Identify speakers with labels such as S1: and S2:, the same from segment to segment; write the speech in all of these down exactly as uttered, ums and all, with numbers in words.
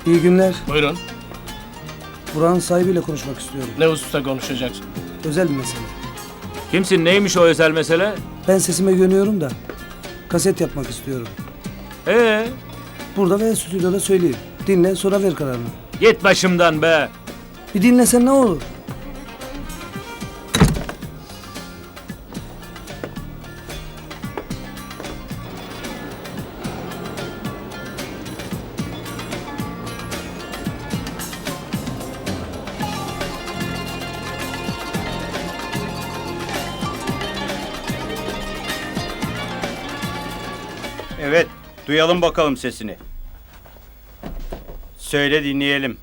S1: İyi günler.
S2: Buyurun.
S1: Buranın sahibiyle konuşmak istiyorum.
S2: Ne hususta konuşacaksın?
S1: Özel bir mesele.
S3: Kimsin, neymiş o özel mesele?
S1: Ben sesime güveniyorum da kaset yapmak istiyorum.
S3: Ee,
S1: Burada ve stüdyoda söyleyeyim. Dinle sonra ver kararını.
S3: git başımdan be.
S1: Bir dinlesen ne olur?
S4: Evet, duyalım bakalım sesini. Söyle dinleyelim.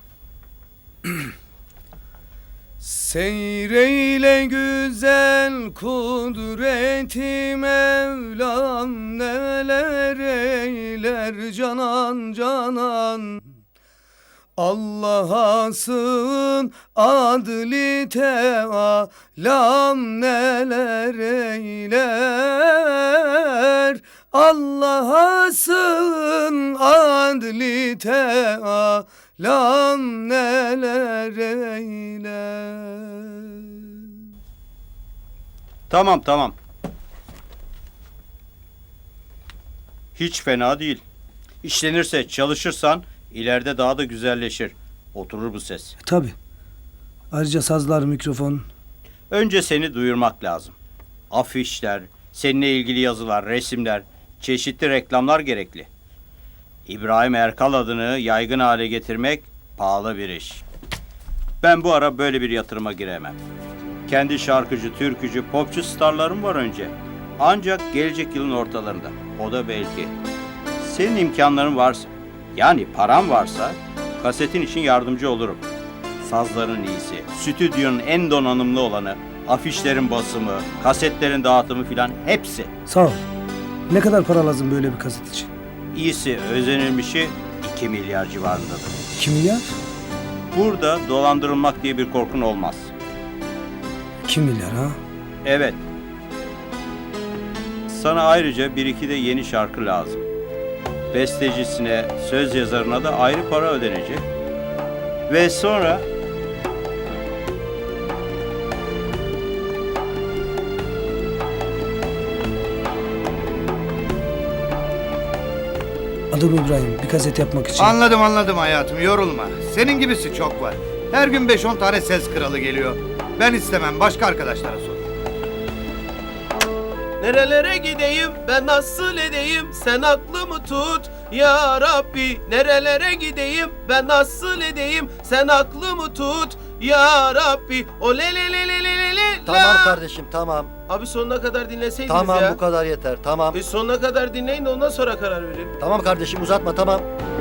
S1: Seyreyle güzel kudreti Mevlam, neler eyler canan canan. Allah'a sığın adli teâlam, neler eyler. Allah'a sığın adli teâlam, neler eyler.
S4: Tamam, tamam. Hiç fena değil. İşlenirse, çalışırsan ileride daha da güzelleşir. Oturur bu ses.
S1: Tabii. Ayrıca sazlar, mikrofon.
S4: Önce seni duyurmak lazım. Afişler, seninle ilgili yazılar, resimler, çeşitli reklamlar gerekli. İbrahim Erkal adını yaygın hale getirmek pahalı bir iş. Ben bu ara böyle bir yatırıma giremem. Kendi şarkıcı, türkücü, popçu starlarım var önce. Ancak gelecek yılın ortalarında. O da belki. Senin imkanların varsa, yani paran varsa, kasetin için yardımcı olurum. Sazların iyisi, stüdyonun en donanımlı olanı, afişlerin basımı, kasetlerin dağıtımı filan hepsi.
S1: Sağ ol. Ne kadar para lazım böyle bir kaset için?
S4: İyisi, özenilmişi iki milyar civarındadır.
S1: iki milyar?
S4: Burada dolandırılmak diye bir korkun olmaz.
S1: iki milyar ha?
S4: Evet. Sana ayrıca bir iki de yeni şarkı lazım. Bestecisine, söz yazarına da ayrı para ödenecek. Ve sonra...
S1: Adım İbrahim. Bir kaset yapmak için.
S5: Anladım anladım hayatım, yorulma. Senin gibisi çok var. Her gün beş on tane ses kralı geliyor. Ben istemem, başka arkadaşlara sor.
S6: Nerelere gideyim, ben nasıl edeyim, sen aklımı tut ya Rabbi. Nerelere gideyim, ben nasıl edeyim, sen aklımı tut ya Rabbi. O le le le le le le le.
S7: Tamam kardeşim, tamam.
S6: Abi sonuna kadar dinleseydiniz
S7: Tamam,
S6: ya.
S7: bu kadar yeter, tamam.
S6: E sonuna kadar dinleyin de ondan sonra karar verin.
S7: Tamam kardeşim, uzatma, tamam.